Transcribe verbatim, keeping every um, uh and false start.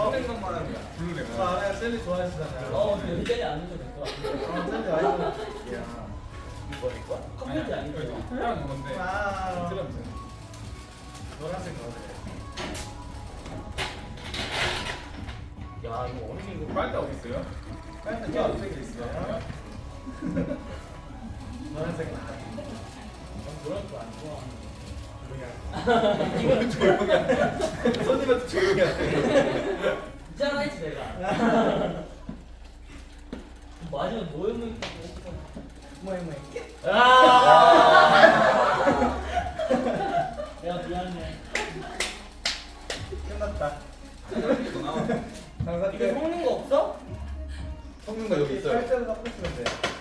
생각 말하는 거야. 블루 레몬. 저 알아요. 젤리 좋아하시잖아요. 어, 근데 여기 젤리 안 넣어도 될 것 같은데. 어, 젤리 아니고. 이거 이거? 컴퓨터 아니고. 하얀 건데. 와. 트럼프. 노란색 거네. 야, 이거 어린이 이거 빨대 어디 있어요? 빨간 게 어떻게 있어요? 노란색 나. 노란 거안 좋아하는 이거는 조용히 하네. 손님한테 조용히 하네. 있잖아 했지 내가. 마지막 모형물 있다고. 뭐야 뭐야. 아. 야 미안해. 끝났다. 이거 나와. 장사 이거 끝. 섞는 거 없어? 성능가 여기 있어요. 빨대로 섞으시면 돼요.